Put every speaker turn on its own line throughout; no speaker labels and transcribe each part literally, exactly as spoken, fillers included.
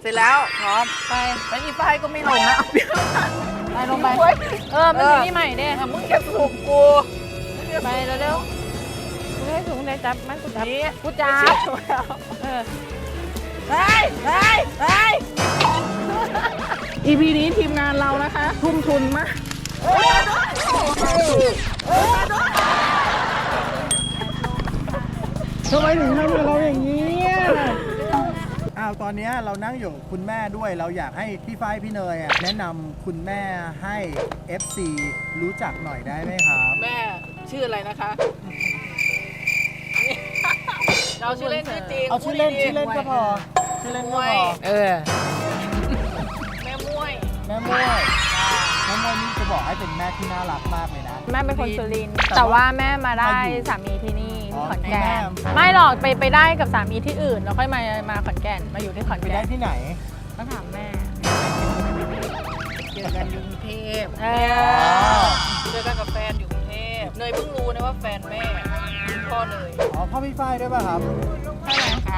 สร็จแล้วพร้อมไปไปอีป้ายก็ไม่ลงนะ
ไปลงไปเออมันอยู่นี่ใหม่เด้
มึงจะถูกกู
ไปเร็วๆกูให้ถุงได้จับมันกูจับกูจับเออ
ไปไปไป
อี พี นี้ทีมงานเรานะคะทุ่มทุนมากทำไมถึงทำกับเราอย่างนี้
อ้าวตอนนี้เรานั่งอยู่คุณแม่ด้วยเราอยากให้พี่ฝ้ายพี่เนยอ่ะแนะนำคุณแม่ให้ เอฟ ซี รู้จักหน่อยได้ไหมครับ
แม่ชื่ออะไรนะคะเราชื่อเล่นชื่อจริง
เอาชื่อเล่นชื่อเล่นก็พอชื่อเล่นก็พอ
เออ
แม่ม้วย
แม่ม้วยแม่ม้วยนี่จะบอกให้เป็นแม่ที่น่ารักมากเลยนะ
แม่เป็นคนสุรินทร์แต่ว่าแม่มาได้สามีที่นี่ที่ขอนแก่นไม่หรอกไปไปได้กับสามีที่อื่นแล้วค่อยมามาขอนแก่นมาอยู่ที่ขอนแก่น
ไปได้ที่ไหน
ต้องถามแม่
เจอกันอยู่กรุงเทพเจอกันกับแฟนอยู่กรุงเทพเนยเพิ่งรู้นะว่าแฟนแม่พ่อเนย
อ๋อพ่อพี่ฝ้ายด้วยป่ะครับ
ใช่ไหมค่ะ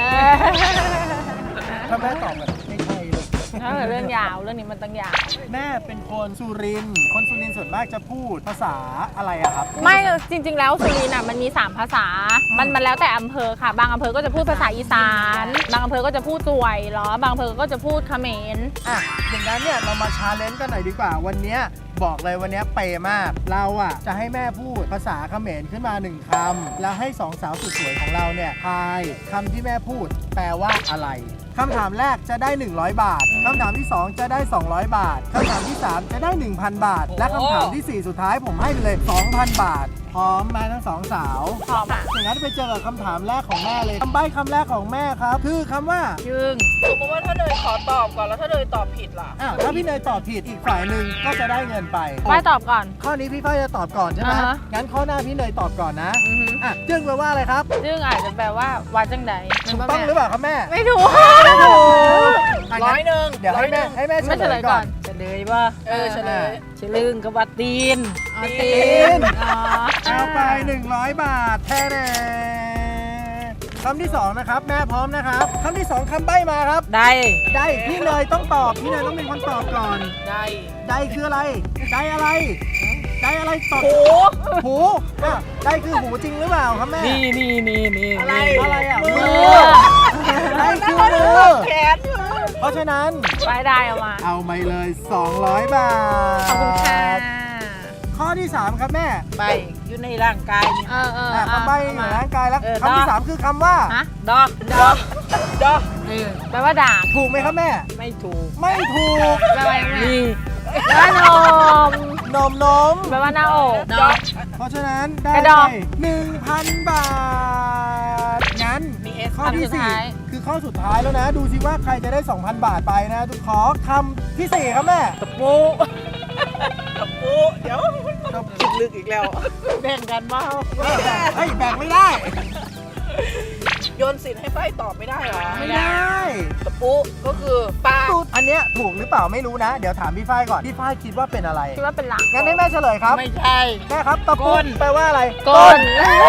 ถ้าแม่ตอบแบบไม่ใช่เลย
ถ้าเรื่องยาวเรื่องนี้มันต้องยาว
แม่เป็นคนสุรินทร์คนสุรินทร์ส่วนมากจะพูดภาษาอะไรอะครับ
ไม่จริงๆแล้วสุรินทร์อ่ะมันมีสามภาษามันมันแล้วแต่อำเภอค่ะบางอำเภอก็จะพูดภาษาอีสานบางอำเภอก็จะพูดสวยหรอบางอำเภอก็จะพูดเขมร
อ่ะอย่างนั้นเนี่ยเรามาชาเลนจ์กันหน่อยดีกว่าวันนี้บอกเลยวันนี้เปย์มากเราอ่ะจะให้แม่พูดภาษาเขมรขึ้นมาหนึ่งคำแล้วให้สองสาวสุดสวยของเราเนี่ยทายคำที่แม่พูดแปลว่าอะไรคำถามแรกจะได้หนึ่งร้อยบาทคำถามที่สองจะได้สองร้อยบาทคำถามที่สามจะได้ หนึ่งพัน บาทและคำถามที่สี่สุดท้ายผมให้ไปเลย สองพัน บาทพร้อมมาทั้งสองสาว
พร้อมอ่ะ
อย่างนั้นไปเจอกับคำถามแรกของแม่เลยคำใบ้คำแรกของแม่ครับคือคำว่า
ยึง
สมมติว่าถ้าเนยขอตอบก่อนแล้วถ้าเนยตอบผิดล่ะ
อ้าวถ้าพี่เนยตอบผิดอีกฝ่ายหนึ่งก็จะได้เงินไป
ฝ้ายตอบก่อน
ข้อนี้พี่ฝ้ายจะตอบก่อนใช่ไหมงั้นข้อหน้าพี่เนยตอบก่อนนะอ่ะจึ้งแปลว่าอะไรครับ
จึ้งอาจจะแปลว่าวาจังใด
ถูกต้องหรือเปล่าครับแม่
ไม่ถูก
ไม่ถูก
ร้อยหนึ่ง
เดี๋ยวให้แม่ให้แม่เฉลยก่อน
เฉลยว่า
เออเฉลย
เฉลึงกับว่าตีน
ตีนเอาไปหนึ่งร้อยบาทแท้แน่คำที่สองนะครับแม่พร้อมนะครับคำที่สองคำใบ้มาครับ
ได้
ได้พี่เนยต้องตอบพี่เนยต้องเป็นคนตอบก่อน
ได้
ได้คืออะไรได้อะไรได้อะไรตอบ
หู
หูอ่ะได้คือหูจริงหรือเปล่าครับแม่
นี่นี่นี่นี่
อะไร
อะไรอ่ะมือได้คือมือ
แขน
เพราะฉะนั้น
ได้ได้เอามา
เอาไปเลยสองร้อยบาท
ขอบคุณค่ะ
ข้อที่สามครับแม่
ใบอยู่ในร่างกาย
เออเออ
คำใบในร่างกายแล้วคำที่สามคือคำว่า
ดอก
ดอกดอก
แปลว่าด่า
ถูกไหมครับแม่
ไม่ถูก
ไม่ถูก
แปลว่าไงแปลว่านม
นมนม
แปลว่าหน้าอก
ดอก
เพราะฉะนั้นได้หนึ่งพันบาทงั้นข้อที่สี่คือข้อสุดท้ายแล้วนะดูสิว่าใครจะได้ สองพัน บาทไปนะทุกขอคำที่สี่ครับแม่
ตะปูตะปูเดี๋ยวคิดลึกอีกแล้วแบ่งกันบ้า
เฮ้ยแบ่งไม่ได้
โยนสินให้ไฟตอบไม่ได้หรอ
ไม่ได้
ตะปูก็คือปลา
อันเนี้ยถูกหรือเปล่าไม่รู้นะเดี๋ยวถามพี่ฝ้ายก่อนพี่ฝ้ายคิดว่าเป็นอะไร
คิดว่าเป็นหลัง
งั้นให้แม่เฉลยครับ
ไม่ใช่
แม่ครับตะปูแปลว่าอะไร
ก้น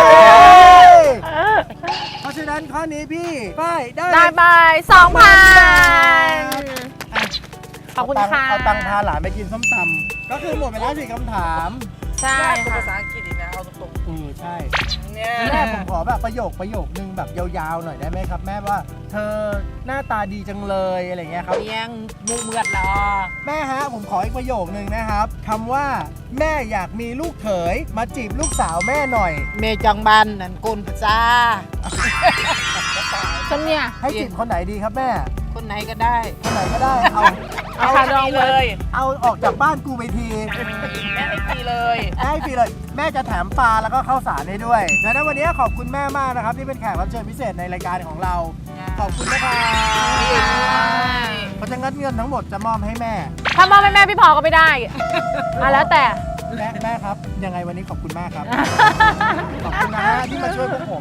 เพราะฉะนั้นข้อนี้พี่ฝ้ายได้
ได้ไปสองพันขอบคุณค่ะ
เอาตังค์พาหลานไปกินส้มตำก็คือหมดไปแล้วสี่คำถาม
ใช่
ภาษาอังกฤษอีกนะเอาตรง
ๆเออใช่แม่ผมขอแบบประโยคประโยคนึงแบบยาวๆหน่อยได้ไหมครับแม่ว่าเธอหน้าตาดีจังเลยอะไรเงี้ยครับ
เลี้ยงมุกเมือดหรอ
แม่ฮะผมขออีกประโยคนึงนะครับคำว่าแม่อยากมีลูกเขยมาจีบลูกสาวแม่หน่อย
เมจังบันนั่นกุลประจา
ฉันเนี่ย
ให้จีบคนไหนดีครับแม่
คนไหนก็ได้
คนไหนก็ได้เอา
เอาคาดองเลย
เอาออกจากบ้านกูไปที
แม่ให้ฟรีเลย
ให้ฟรีเลยแม่จะแถมปลาแล้วก็ข้าวสารให้ด้วยดังนั้นวันนี้ขอบคุณแม่มากนะครับที่เป็นแขกรับเชิญพิเศษในรายการของเราขอบคุณนะครับเพราะฉะนั้นเงินทั้งหมดจะมอบให้แม่
ถ้ามอบให้แม่พี่พอก็ไม่ได้อ่ะแล้วแต่
แม่แม่ครับยังไงวันนี้ขอบคุณมากครับขอบคุณนะที่มาช่วยพวกผม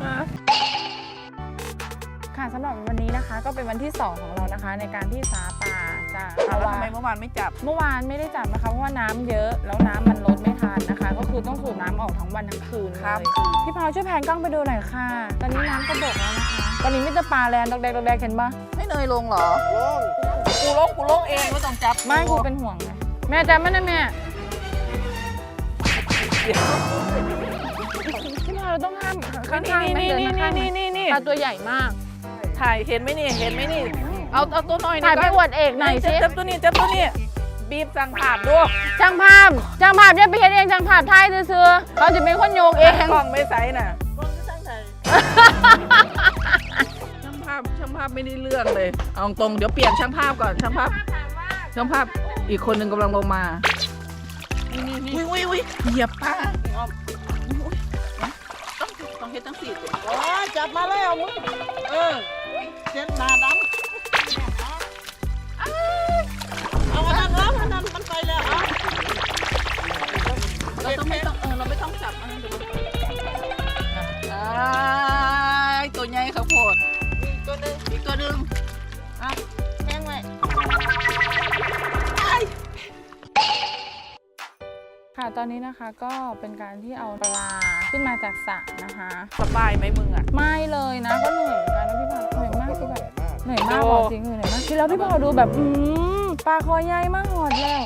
ค่ะสำหรับวันนี้นะคะก็เป็นวันที่สองของเรานะคะในการที่สาปลาจะ
แล้วทำไมเมื่อวานไม่จับ
เมื่อวานไม่ได้จับนะคะเพราะว่าน้ำเยอะแล้วน้ำมันลดไม่ทันนะคะก็คือต้องสูบน้ำออกทั้งวันทั้งคืนเลยพี่พาวช่วยแพนกล้องไปดูหน่อยค่ะตอนนี้น้ำกระดกแล้วนะคะตอนนี้มิตรปลาแลนด์ดอกแดกดอกแดกเห็นปะ
ไม่เนยลงหรอ
ลง
กูลงกูลงเองไม่ต้องจับ
ไม่กูเป็นห่วงไงแม่จำมันนะแม่ที่เราต้องห้ามข้างๆ
นี่
ไม่
นี่
เดิน
นี่
ข้าง
นี่นี่นี่
ปลาตัวใหญ่มาก
ถ่ายเห็นไหมนี่เห็นไหมนี่เอาเอาตัวหน่อย
ถ่ายไปอวดเอกหน่อยสิ
จับตัวนี้จับตัวนี้บีบสั่งขาดด้วย
ช่างภาพช่างภาพอย่าไปเห็นเองช่างภาพไทยซื้อๆเขาจะเป็นคนโยกเอง
กล้องไม่ใสน่ะช่างภาพช่างภาพไม่ได้เรื่องเลยเอาตรงเดี๋ยวเปลี่ยนช่างภาพก่อนช่างภาพช่างภาพอีกคนหนึ่งกำลังลงมาอุ้ยอุ้ยอุ้ยเหยียบป้าต้องต้องเฮ็ดตั้งสี่ตัว
โอ้ยจับมาแล้วมึงเออเจ็ดหนาดำเอาอันนั้นแล้วอันนั้นมันไปแล้วเอา
เราต้องไม่ต้องเออเราไม่ต้องจับอันนั้นเดี๋ยวมันอ่าตัวใหญ่ข้าวโพด
อีกตัวหนึง
อีกตัวหนึ่ง
อ่ะแห้งไว้
ค่ะตอนนี้นะคะก็เป็นการที่เอาปลาขึ้นมาจากสระนะคะ
สบายไหมมึงอ่ะ
ไม่เลยนะก็เหนื่อยเหมือนกันนะพี่พาวเหนื่อยมากคือแบบ
เหนื่อยมาก
เหนื่อยมากบอกจริงเหนื่อยมากที่แล้วพี่พาวดูแบบอืมปลาคอใหญ่มากหอดแล้ว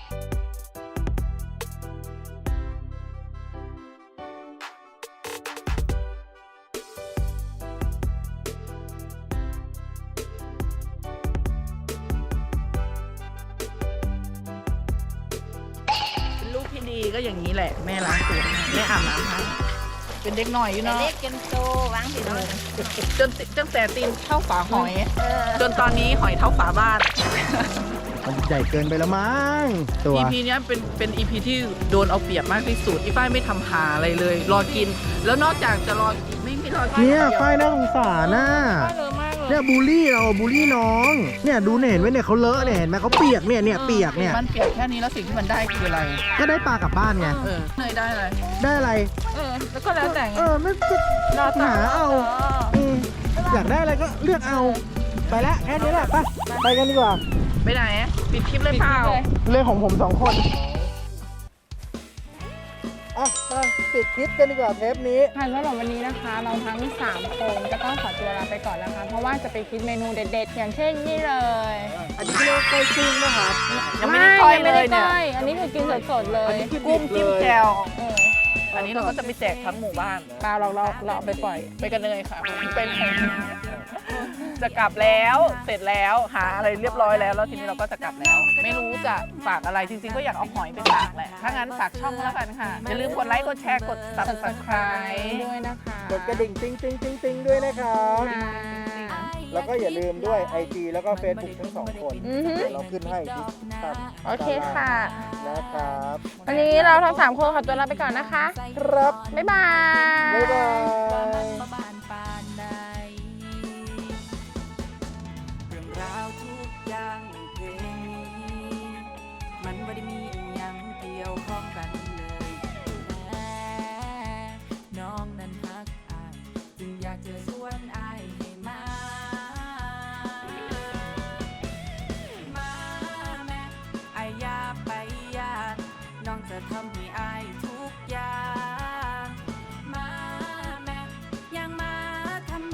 เป็นลูกที่ดีก็อย่างนี้แหละแม่ล้างตัวแม่อาบน้ำให้เป็นเด็กหน่อยอยู่เนาะ
เล็กกินโตวางสิเนาะ
จนตั้งแต่ตีนเท่าฝาหอย จนตอนนี้หอยเท่าฝาบ้าน
มันใหญ่เกินไปแล้วมั้งตัว
อี พี เนี้ยเป็นเป็น อี พี ที่โดนเอาเปรียบมากที่สุดอีฝ้ายไม่ทำหาอะไรเลย รอกิน แล้วนอกจากจะรอกินไม่ไม่รอกิ
เนี่ย
ดีว
ฝ้ายน่าสงสารน่ะ
เยอะมากเลย
เนี่ยบูลลี่เราบูลลี่น้อง เนี่ยดูเนี่ยเห็นไหมเนี่ยเขาเลอะเนี่ยเห็นไหมเขาเปียกเนี่ยเนี่ยเปียกเนี่ย
มันเปียกแค่นี้แล้วสิ่งที่มันได้คืออะไร
ก็ได้ปลากลับบ้านไง
เออเนยได้อะไร
ได้อะไร
เออแล้วก็แล้วแต่ไง
เออไม่ก็
รอต่อ
หาเอาเอออยากได้อะไรก็เลือกเอา ไปละแค่นี้แหละไปไปกันดีกว่า
ไปไหนปิดคลิปเลยเปล่า
เรื่องของผมสองคนอ่ะไปปิดคลิปกันดีกว่าเทปนี้
ค่ะสำหรับวันนี้นะคะ เราทั้งสามคนก็ต้องขอตัวลาไปก่อนนะคะ เพราะว่าจะไปคิดเมนูเด็ดๆ อย่างเช่นนี่เลย
อันนี้เรียกว่าก้อยกุ้งนะครับ
ยังไม่ได้ก้อยเลยเนี่ย
งไม่ได้ก้อยอันนี้คือกินสดๆเลย
อันนี้คือ
กุ้งจิ้มแจ่ว
เออ
อันนี้เราก็จะไปแจกทั้งหมู่บ้าน
ปลาเราเราเราเอาไปปล่อย
ไปกันเลยค่ะเป็นจะกลับแล้วเสร็จแล้วหาอะไรเรียบร้อยแล้วแล้วทีนี้เราก็จะกลับแล้ว ไม่รู้จะฝากอะไรจริงๆก็อยากเอาหอยไปฝากแหละถ้างั้นฝากช่องแล้วกันค่ะอย่าลืมกดไลค์กดแชร์กด subscribe
ด้วยนะคะ
กดกระดิ่งติ๊งติ๊งติ๊งติ๊งด้วยนะครับ
ค่ะ
แล้วก็อย่าลืมด้วย ไอ จี แล้วก็ Facebook ทั้งสองคน
อือฮึ
เดี๋ยวเราขึ้นให้ที่ตาม
โอเคค่ะ
นะครับ
วันนี้เราทั้งสามคนขอตัวลาไปก่อนนะคะ
ครับ
บ๊ายบาย
บ๊ายบาย
เรื่องราวทุกอย่างในเพลงนี้มันไม่ได้มีอหยังเกี่ยวข้องกันเลยแต่น้องนั้นฮักอายจึงอยากจะชวนอายให้มา มาแม่อายอย่าไปยากน้องจะทำให้